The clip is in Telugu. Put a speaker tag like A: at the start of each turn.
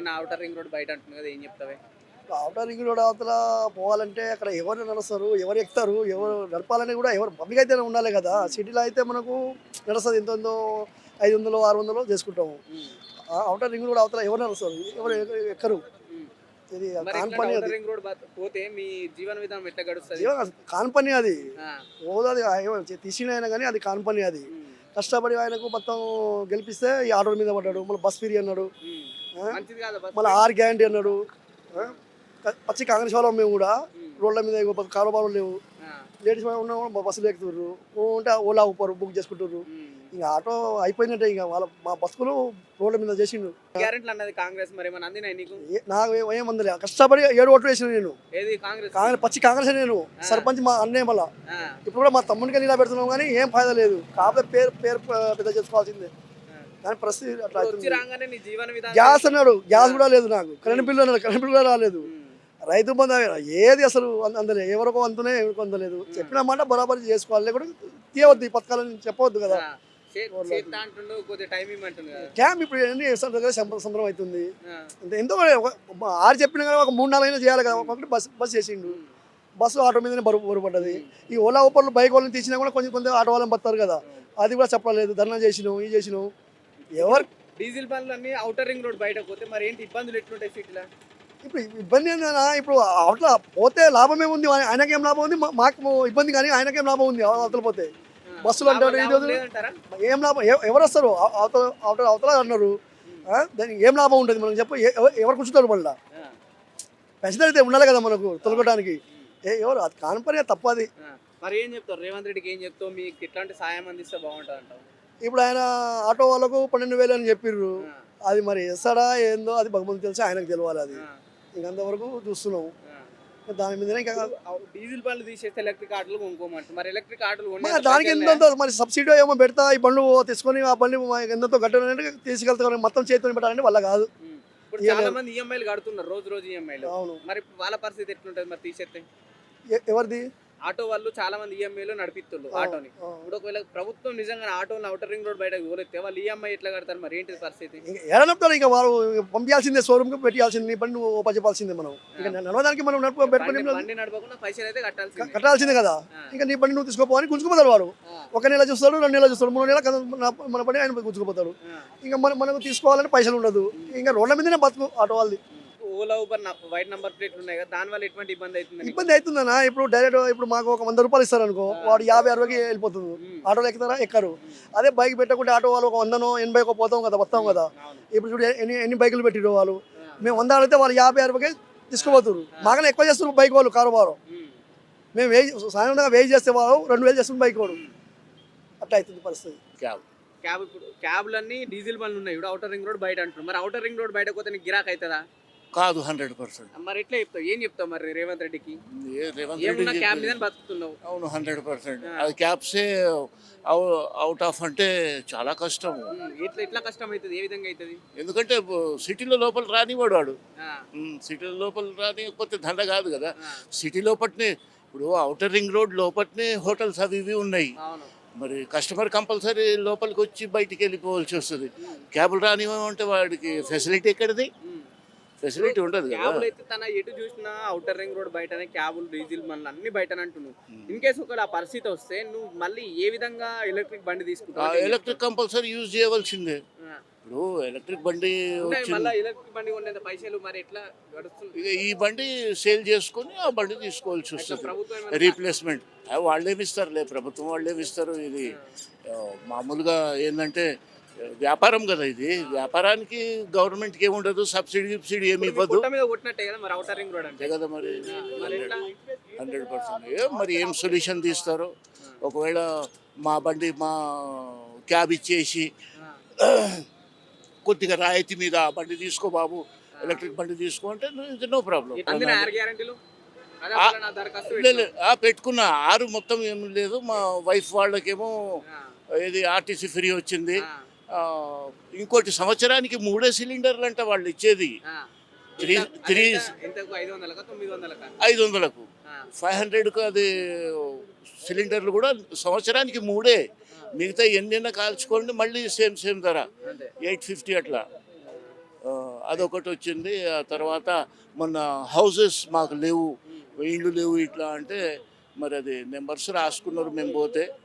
A: మన ఔటర్ రింగ్ రోడ్ బయట అంటుంది కదా, ఏం చెప్తావే?
B: అవుటర్ రింగ్ రోడ్ అవతల పోవాలంటే అక్కడ ఎవరు నడుస్తారు, ఎవరు ఎక్కుతారు, ఎవరు నడపాలని కూడా ఎవరు పబ్లిక్ అయితే ఉండాలి కదా. సిటీలో అయితే మనకు నడుస్తుంది ఎంతో 500 600 చేసుకుంటాము.
A: ఉమ్,
B: అవుటర్ రింగ్ రోడ్ అవతల ఎవరు నడుస్తారు, ఎవరు ఎక్కరు.
A: ఉమ్.
B: ఇది
A: మరి
B: కాన్
A: ఇట్లాంటి
B: పని,
A: ఔటర్
B: అది
A: రింగ్ రోడ్ పోతే మీ జీవన విధానం ఎట్లా గడుస్తుంది?
B: కాన్ పని అది.
A: ఆ,
B: ఓది తీసిన అయినా కానీ అది కాన్ పని అది.
A: ఉమ్,
B: కష్టపడి ఆయనకు మొత్తం గెలిపిస్తే ఈ ఆటోల మీద పడ్డాడు, మళ్ళీ బస్ ఫ్రీ అన్నాడు,
A: ఉమ్.
B: ఆ?
A: మంచిది కాదా బస్?
B: మళ్ళీ 6 గ్యారంటీ అన్నాడు. ఆ? పచ్చి కాంగ్రెస్ వాళ్ళం మేము కూడా.
A: ఉమ్,
B: రోడ్ల మీద కారోబారం లేవు,
A: ఆ,
B: లేడీస్ ఉన్న బస్సులు ఎక్కుతుర్రు, ఉంటే ఓలా ఊపరు బుక్ చేసుకుంటారు.
A: ఉమ్.
B: ఇంకా ఆటో అయిపోయినట్టే, ఇక వాళ్ళ మా బస్సులు రోడ్ల మీద చేసిండు.
A: గ్యారెంటీలు అన్నది కాంగ్రెస్, మరి ఏమన్నా అందినాయి నీకు?
B: నాకు ఏమందలే, కష్టపడి 7 ఓట్లు వేసిన నేను.
A: ఏది కాంగ్రెస్?
B: కాంగ్రెస్ పచ్చి కాంగ్రెస్ నేను. సర్పంచ్ మా అన్నయ్య మళ్ళా.
A: ఆ,
B: ఇప్పుడు కూడా మా తమ్మునికి ఇలా పెడుతున్నాం కానీ ఏం ఫాయిదా లేదు. కాకపోతే పేరు పేరు పెద్ద చేసుకోవాల్సిందే.
A: ఆ.
B: కానీ పరిస్థితి అట్లా
A: ఇప్పుడు వచ్చి
B: అవుతుంది.
A: రాగానే నీ జీవన విధానం
B: గ్యాస్ అన్నాడు, గ్యాస్ కూడా లేదు నాకు. కరెంట్ బిల్లు అన్నాడు, కరెంట్ బిల్లు కూడా రాలేదు.
A: ఉమ్,
B: రైతు బంధు ఏది అసలు అందలే, ఎవరికో అందునే ఎవరికో అందలేదు. చెప్పిన మాట బరాబరి చేసుకోవాలి, లేకుంటే తీయవద్దు ఈ పథకాలని చెప్పవద్దు కదా.
A: ఆ. చేత్తా అంటుండు, కొద్దిగా టైం ఇమ్మంటుంది కదా.
B: క్యాంప్ ఇప్పుడు ఎన్ని దగ్గర సంబరం అవుతుంది.
A: ఆ,
B: అంటే ఎంతో 6 చెప్పిన కానీ ఒక 3-4 అయినా చేయాలి కదా. ఒకటి బస్ చేసిండు,
A: ఉమ్,
B: బస్సు ఆటో మీదనే బరువు పడ్డది. ఈ ఓలా ఊపర్లు బైక్ వాళ్ళని తీసినా కూడా కొంచెం ఆటో వాళ్ళని పడతారు కదా, అది కూడా చెప్పలేదు. ధర్నా చేసినాం, ఇది చేసినాం. ఎవరు
A: డీజిల్ బండ్లు అన్ని ఔటర్ రింగ్ రోడ్ బయట పోతే మరి ఏంటి ఇబ్బందులు ఎట్లుంటాయి సిటీలో?
B: ఇప్పుడు ఇబ్బంది ఏంటన్నా, ఇప్పుడు అవతల పోతే లాభమే ఉంది, ఆయనకేం లాభం ఉంది, మాకు ఇబ్బంది కానీ ఆయనకేం లాభం ఉంది. అవతల పోతే బస్సులు అంటాడు, ఇది వద్దు.
A: లేదంటారా?
B: ఏం లాభం, ఎవరు వస్తారు అవతల అవతల అవతల అన్నారు. దానికి ఏం లాభం ఉంటుంది మనకు చెప్పు. ఎవరు కూర్చుంటారు మళ్ళీ?
A: ఆ,
B: పెన్షన్ అయితే ఉండాలి కదా మనకు తొలగడానికి. ఎవరు అది కానిపని తప్పది.
A: ఆ. మరి ఏం చెప్తారు రేవంత్ రెడ్డికి, ఏం చెప్తావు? మీకు ఎట్లాంటి సాయం అందిస్తే బాగుంటుంది అంటావు?
B: ఇప్పుడు ఆయన ఆటో వాళ్ళకు 12,000 అని చెప్పిర్రు.
A: ఆ,
B: అది మరి వేస్తాడా ఏందో అది భగవంతుడు తెలిసి ఆయనకు తెలియాలి. అది
A: ఆ,
B: ఇంకంతవరకు చూస్తున్నాం.
A: ఆ.
B: దాని మీదనే ఇంకా
A: డీజిల్ బండ్లు తీసేస్తే ఎలక్ట్రిక్ ఆటోలు కొనుక్కోమంటారు. మరి ఎలక్ట్రిక్ ఆటోలు
B: మరి దానికి ఎంతో మరి సబ్సిడీ ఏమో పెడతా, ఈ బండ్లు తీసుకొని ఆ బండి ఎంతో గట్టిగా తీసుకెళ్తా, మొత్తం చేతిని పెట్టాలంటే వల్ల కాదు.
A: ఇప్పుడు చాలా మంది ఈఎంఐలు కడుతున్నారు, రోజు రోజు ఈఎంఐలు.
B: అవును.
A: మరి వాళ్ళ పరిస్థితి ఎట్లుంటుంది మరి తీసేస్తే?
B: ఎవరిది?
A: ఆటో వాళ్ళు చాలా మంది ఈఎంఐలు నడిపిస్తున్నారు ఆటోని. ఇప్పుడు ఒకవేళ ప్రభుత్వం నిజంగా ఆటోని ఔటర్ రింగ్ రోడ్ బయటకు పోలేస్తే వాళ్ళు ఈఎంఐ ఎట్లా కడతారు? మరి ఏంటి పరిస్థితి?
B: ఎడనప్పుడు ఇంకా వారు పంపించాల్సిందే, షోరూమ్కి పెట్టాల్సింది. నీ బండి నువ్వు చెప్పాల్సిందే. మనం ఇంకా నడవడానికి మనం పెట్టుకుని
A: బండి నడపకుండా పైసలు అయితే
B: కట్టాల్సిందే కదా. ఇంకా నీ బండి నువ్వు తీసుకోపోవని గుంజుకుపోతారు వారు. 1 నెల చూస్తాడు, 2 నెలలు చూస్తాడు, 3 నెలలు మన పని ఆయన గుంజుకుపోతాడు. ఇంకా మనకు తీసుకోవాలంటే పైసలు ఉండదు. ఇంకా రోడ్ల మీదనే బతుకు ఆటో వాళ్ళది.
A: ఓలా ఊబర్ వైట్ నంబర్ ప్లేట్లు ఉన్నాయి కదా, దాని వల్ల ఎటువంటి ఇబ్బంది అవుతుంది?
B: ఇబ్బంది అవుతుందన్నా. ఇప్పుడు డైరెక్ట్ ఇప్పుడు మాకు ఒక 100 రూపాయలు ఇస్తారు అనుకో, వాడు 50-60కి వెళ్ళిపోతుంది. ఆటోలు ఎక్కుతారా? ఎక్కరు. అదే బైక్ పెట్టకుంటే ఆటో వాళ్ళు ఒక 100-80 పోతాం కదా, వస్తాం కదా. ఇప్పుడు చూడు ఎన్ని బైకులు పెట్టిరు వాళ్ళు. మేము 100 అడిగితే వాళ్ళు 50-60కి తీసుకుపోతారు. మాకనే ఎక్కువ చేస్తున్నారు బైక్ వాళ్ళు కారోబారం. మేము సాధారణంగా వెయిట్ చేస్తే వాళ్ళు 2,000 చేస్తున్నారు బైక్ వాడు. అట్లా అవుతుంది పరిస్థితి.
A: క్యాబ్ ఇప్పుడు క్యాబ్లన్నీ డీజిల్ బండ్లు ఉన్నాయి. ఇప్పుడు ఔటర్ రింగ్ రోడ్ బయట అంటున్నారు. మరి ఔటర్ రింగ్ రోడ్ బయట పోతే నీకు గిరాక్ అవుతుందా?
C: కాదు, 100%.
A: మరి ఎట్లా చెప్తావు? ఏం చెప్తావు మరి రేవంత్ రెడ్డికి?
C: రేవంత్
A: ఏమున్నా
C: రెడ్డి
A: క్యాబ్ మీద బతుకుతున్నావు.
C: అవును, 100%. అది క్యాబ్సే అవుట్ ఆఫ్ అంటే చాలా కష్టం.
A: ఎట్లా కష్టం అవుతుంది? ఏ విధంగా అవుతుంది?
C: ఎందుకంటే సిటీలో లోపల రానివాడు వాడు.
A: ఆ,
C: సిటీలో లోపల రానికపోతే దండ కాదు కదా.
A: ఆ,
C: సిటీ లోపట్నే ఇప్పుడు అవుటర్ రింగ్ రోడ్ లోపట్నే హోటల్స్ అవి ఇవి ఉన్నాయి.
A: అవును.
C: మరి కస్టమర్ కంపల్సరీ లోపలికి వచ్చి బయటికి వెళ్ళిపోవాల్సి వస్తుంది. క్యాబులు రానివ్వమంటే వాడికి ఫెసిలిటీ ఎక్కడిది? ఫెసిలిటీ ఉండదు కదా.
A: క్యాబులు అయితే తన ఎటు చూసినా ఔటర్ రింగ్ రోడ్ బయటనే క్యాబులు, డీజిల్ బండ్లు అన్ని బయటనే అంటున్నావు. ఇన్ కేసు ఒకవేళ ఆ పరిస్థితి వస్తే నువ్వు మళ్ళీ ఏ విధంగా ఎలక్ట్రిక్ బండి తీసుకుంటావు?
C: ఎలక్ట్రిక్ కంపల్సరీ యూజ్ చేయవలసిందే. ఇప్పుడు ఎలక్ట్రిక్ బండి
A: మళ్ళీ ఎలక్ట్రిక్ బండి కొనేంత పైసలు మరి ఎట్లా గడుస్తుంది?
C: ఇక ఈ బండి సేల్ చేసుకొని ఆ బండి తీసుకోవాల్సి వస్తుంది.
A: ప్రభుత్వం
C: రీప్లేస్మెంట్ వాళ్ళేమిస్తారులే, ప్రభుత్వం వాళ్ళేమిస్తారు. ఇది మామూలుగా ఏంటంటే వ్యాపారం కదా. ఇది వ్యాపారానికి గవర్నమెంట్కి ఏముండదు, సబ్సిడీ ఏమి ఇవ్వదు.
A: మీద కొట్టినట్టే కదా మరి ఔటర్ రింగ్ రోడ్ అంటే.
C: అంతే కదా మరి.
A: మరి ఎట్లా?
C: 100%. మరి ఏం సొల్యూషన్ తీస్తారో. ఒకవేళ మా క్యాబ్ ఇచ్చేసి కొద్దిగా రాయితీ మీద ఆ బండి తీసుకో బాబు, ఎలక్ట్రిక్ బండి తీసుకో అంటే నో ప్రాబ్లం. పెట్టుకున్న 6 మొత్తం ఏం లేదు. మా వైఫ్ వాళ్ళకేమో ఇది ఆర్టీసీ ఫ్రీ వచ్చింది. ఇంకోటి సంవత్సరానికి 3 సిలిండర్లు అంట వాళ్ళు ఇచ్చేది. 500కు 500కు అది సిలిండర్లు కూడా సంవత్సరానికి 3. మిగతా ఎన్నైనా కాల్చుకోండి మళ్ళీ సేమ్ ధర 850 అట్లా. అదొకటి వచ్చింది. ఆ తర్వాత మొన్న హౌసెస్ మాకు లేవు, ఇళ్ళు లేవు ఇట్లా అంటే మరి అది నెంబర్స్ రాసుకున్నారు మేము పోతే